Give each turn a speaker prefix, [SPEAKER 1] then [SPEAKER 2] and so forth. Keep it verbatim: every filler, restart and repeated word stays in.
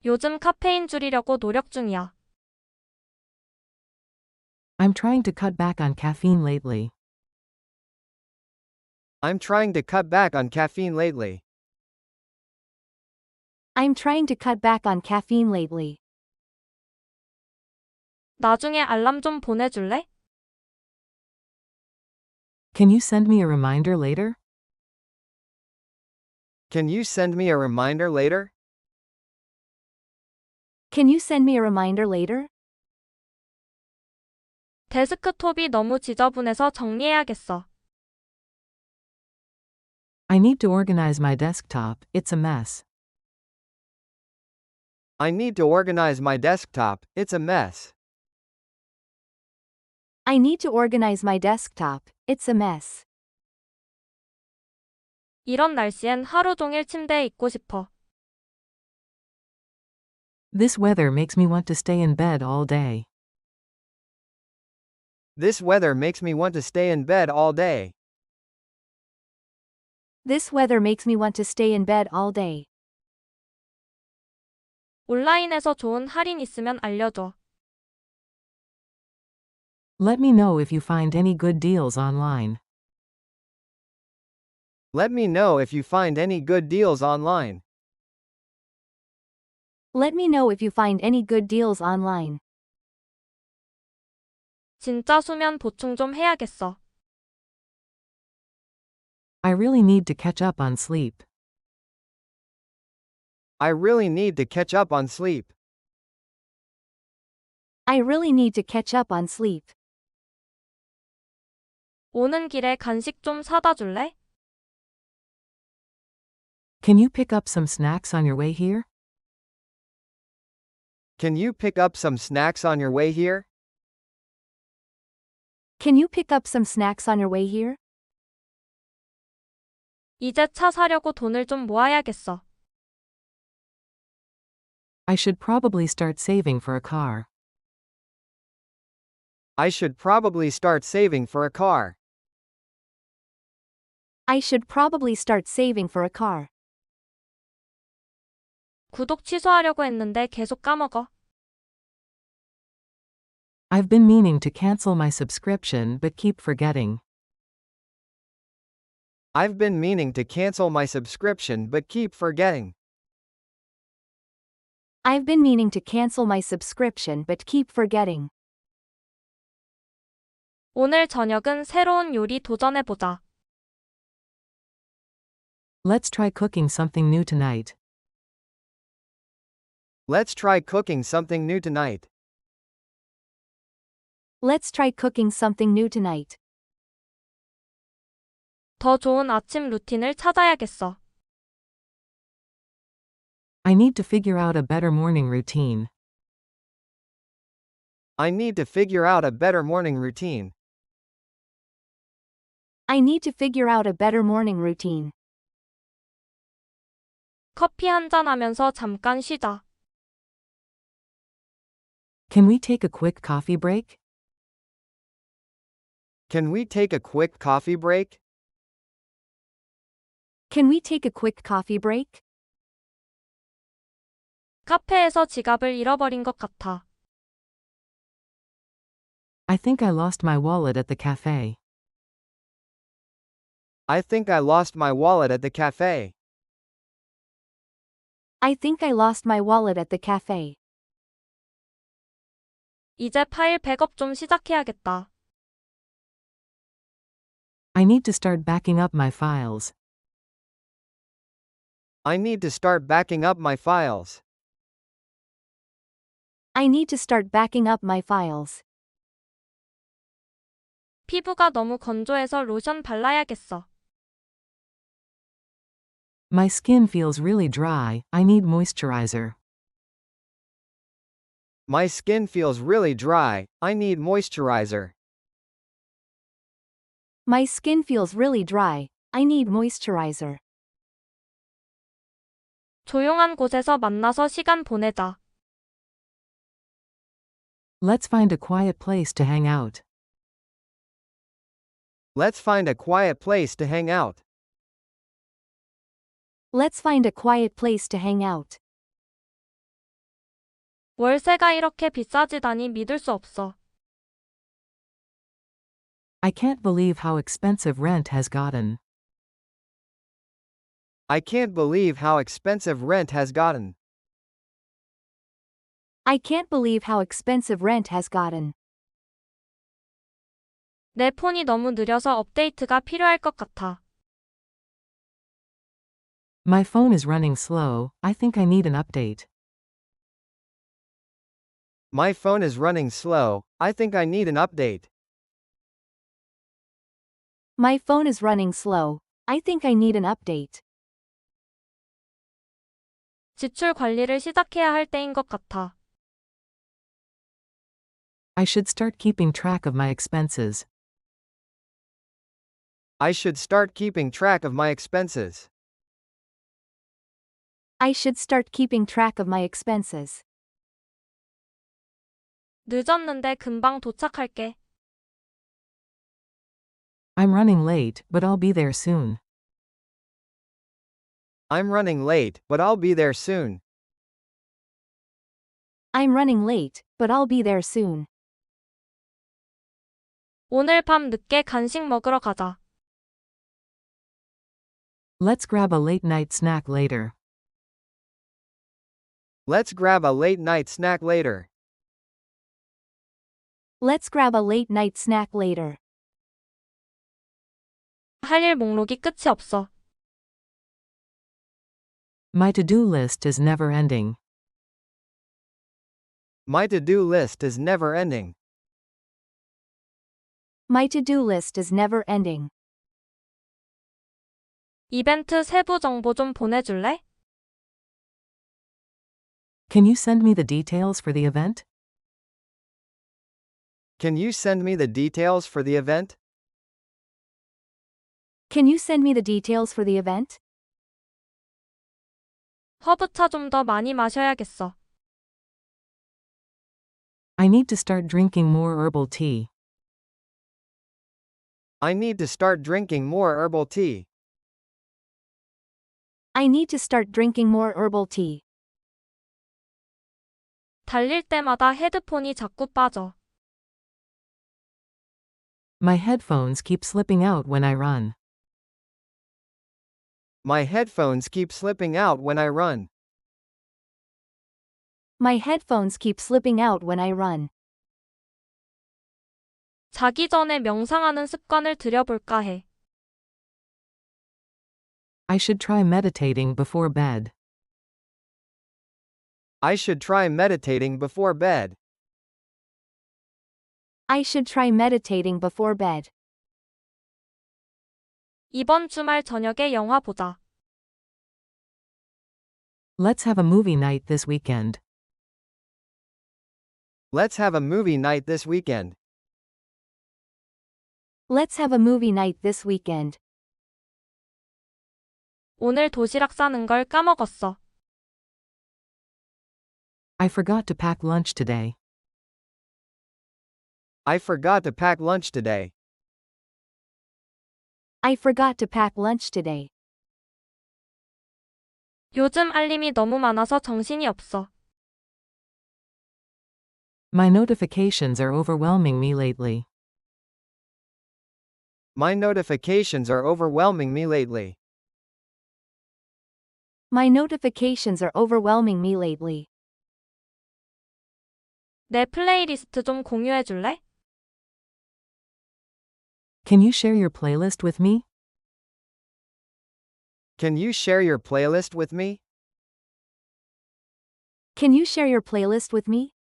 [SPEAKER 1] 요즘 카페인 줄이려고 노력 중이야.
[SPEAKER 2] I'm trying to cut back on caffeine lately.
[SPEAKER 3] I'm trying to cut back on caffeine lately.
[SPEAKER 4] I'm trying to cut back on caffeine lately.
[SPEAKER 1] 나중에 알람 좀 보내줄래?
[SPEAKER 2] Can you send me a reminder later?
[SPEAKER 3] Can you send me a reminder later?
[SPEAKER 4] Can you send me a reminder later?
[SPEAKER 1] 데스크톱이 너무 지저분해서 정리해야겠어.
[SPEAKER 2] I need to organize my desktop, it's a mess.
[SPEAKER 3] I need to organize my desktop, it's a mess.
[SPEAKER 4] I need to organize my desktop, it's a mess.
[SPEAKER 1] 이런 날씨엔 하루 종일 침대에 있고 싶어.
[SPEAKER 2] This weather makes me want to stay in bed all day.
[SPEAKER 3] This weather makes me want to stay in bed all day.
[SPEAKER 4] This weather makes me want to stay in bed all day.
[SPEAKER 1] 온라인에서 좋은 할인 있으면 알려줘.
[SPEAKER 2] Let me know if you find any good deals online.
[SPEAKER 3] Let me know if you find any good deals online.
[SPEAKER 4] Let me know if you find any good deals online.
[SPEAKER 1] 진짜 수면 보충 좀 해야겠어.
[SPEAKER 2] I really need to catch up on sleep.
[SPEAKER 3] I really need to catch up on sleep.
[SPEAKER 4] I really need to catch up on sleep.
[SPEAKER 1] 오는 길에 간식 좀 사다 줄래?
[SPEAKER 2] Can you pick up some snacks on your way here?
[SPEAKER 3] Can you pick up some snacks on your way here?
[SPEAKER 4] Can you pick up some snacks on your way here?
[SPEAKER 1] 이제 차 사려고 돈을 좀 모아야겠어.
[SPEAKER 2] I should probably start saving for a car.
[SPEAKER 3] I should probably start saving for a car.
[SPEAKER 4] I should probably start saving for a car.
[SPEAKER 1] 구독 취소하려고 했는데 계속 까먹어.
[SPEAKER 2] I've been meaning to cancel my subscription but keep forgetting.
[SPEAKER 3] I've been meaning to cancel my subscription but keep forgetting.
[SPEAKER 4] I've been meaning to cancel my subscription but keep forgetting.
[SPEAKER 1] 오늘 저녁은 새로운 요리 도전해보자.
[SPEAKER 2] Let's try cooking something new tonight.
[SPEAKER 3] Let's try cooking something new tonight.
[SPEAKER 4] Let's try cooking something new tonight.
[SPEAKER 1] 더 좋은 아침 루틴을 찾아야겠어.
[SPEAKER 2] I need to figure out a better morning routine.
[SPEAKER 3] I need to figure out a better morning routine.
[SPEAKER 4] I need to figure out a better morning routine.
[SPEAKER 1] 커피 한잔 하면서 잠깐 쉬자.
[SPEAKER 2] Can we take a quick coffee break?
[SPEAKER 3] Can we take a quick coffee break?
[SPEAKER 4] Can we take a quick coffee break?
[SPEAKER 1] 카페에서 지갑을 잃어버린 것 같아.
[SPEAKER 2] I think I lost my wallet at the cafe.
[SPEAKER 3] I think I lost my wallet at the cafe.
[SPEAKER 4] I think I lost my wallet at the cafe.
[SPEAKER 1] 이제 파일 백업 좀 시작해야겠다.
[SPEAKER 2] I need to start backing up my files.
[SPEAKER 3] I need to start backing up my files.
[SPEAKER 4] I need to start backing up my files.
[SPEAKER 1] 피부가 너무 건조해서 로션 발라야겠어.
[SPEAKER 2] My skin feels really dry, I need moisturizer.
[SPEAKER 3] My skin feels really dry, I need moisturizer.
[SPEAKER 4] My skin feels really dry, I need moisturizer.
[SPEAKER 1] 조용한 곳에서 만나서 시간 보내자.
[SPEAKER 2] Let's find a quiet place to hang out.
[SPEAKER 3] Let's find a quiet place to hang out.
[SPEAKER 4] Let's find a quiet place to hang out.
[SPEAKER 1] 월세가 이렇게 비싸지다니 믿을 수 없어.
[SPEAKER 2] I can't believe how expensive rent has gotten.
[SPEAKER 3] I can't believe how expensive rent has gotten.
[SPEAKER 4] I can't believe how expensive rent has gotten.
[SPEAKER 1] 내 폰이 너무 느려서 업데이트가 필요할 것 같아.
[SPEAKER 2] My phone is running slow, I think I need an update.
[SPEAKER 3] My phone is running slow, I think I need an update.
[SPEAKER 4] My phone is running slow. I think I need an update.
[SPEAKER 1] 지출 관리를 시작해야 할 때인 것 같아.
[SPEAKER 2] I should start keeping track of my expenses.
[SPEAKER 3] I should start keeping track of my expenses.
[SPEAKER 4] I should start keeping track of my expenses.
[SPEAKER 1] 늦었는데 금방 도착할게.
[SPEAKER 2] I'm running late, but I'll be there soon.
[SPEAKER 3] I'm running late, but I'll be there soon.
[SPEAKER 4] I'm running late, but I'll be there soon.
[SPEAKER 1] 오늘 밤 늦게 간식 먹으러 가자.
[SPEAKER 2] Let's grab a late night snack later.
[SPEAKER 3] Let's grab a late night snack later.
[SPEAKER 4] Let's grab a late night snack later.
[SPEAKER 1] 할 일 목록이 끝이 없어.
[SPEAKER 2] My to-do list is never ending.
[SPEAKER 3] My to-do list is never ending.
[SPEAKER 4] My to-do list is never ending.
[SPEAKER 1] 이벤트 세부 정보 좀 보내줄래?
[SPEAKER 2] Can you send me the details for the event?
[SPEAKER 3] Can you send me the details for the event?
[SPEAKER 4] Can you send me the details for the event?
[SPEAKER 1] 허브차 좀 더 많이 마셔야겠어.
[SPEAKER 2] I need to start drinking more herbal tea.
[SPEAKER 3] I need to start drinking more herbal tea.
[SPEAKER 4] I need to start drinking more herbal tea.
[SPEAKER 1] 달릴 때마다 헤드폰이 자꾸 빠져.
[SPEAKER 2] My headphones keep slipping out when I run.
[SPEAKER 3] My headphones keep slipping out when I run.
[SPEAKER 4] My headphones keep slipping out when I run.
[SPEAKER 1] 자기 전에 명상하는 습관을 들여볼까 해.
[SPEAKER 2] I should try meditating before bed.
[SPEAKER 3] I should try meditating before bed.
[SPEAKER 4] I should try meditating before bed.
[SPEAKER 1] 이번 주말 저녁에 영화 보자.
[SPEAKER 2] Let's have a movie night this weekend.
[SPEAKER 3] Let's have a movie night this weekend.
[SPEAKER 4] Let's have a movie night this weekend.
[SPEAKER 1] 오늘 도시락 싸는 걸 까먹었어.
[SPEAKER 2] I forgot to pack lunch today.
[SPEAKER 3] I forgot to pack lunch today.
[SPEAKER 4] I forgot to pack lunch today.
[SPEAKER 1] 요즘 알림이 너무 많아서 정신이 없어.
[SPEAKER 2] My notifications are overwhelming me lately.
[SPEAKER 3] My notifications are overwhelming me lately.
[SPEAKER 4] My notifications are overwhelming me lately.
[SPEAKER 1] 내 플레이리스트 좀 공유해 줄래?
[SPEAKER 2] Can you share your playlist with me?
[SPEAKER 3] Can you share your playlist with me?
[SPEAKER 4] Can you share your playlist with me?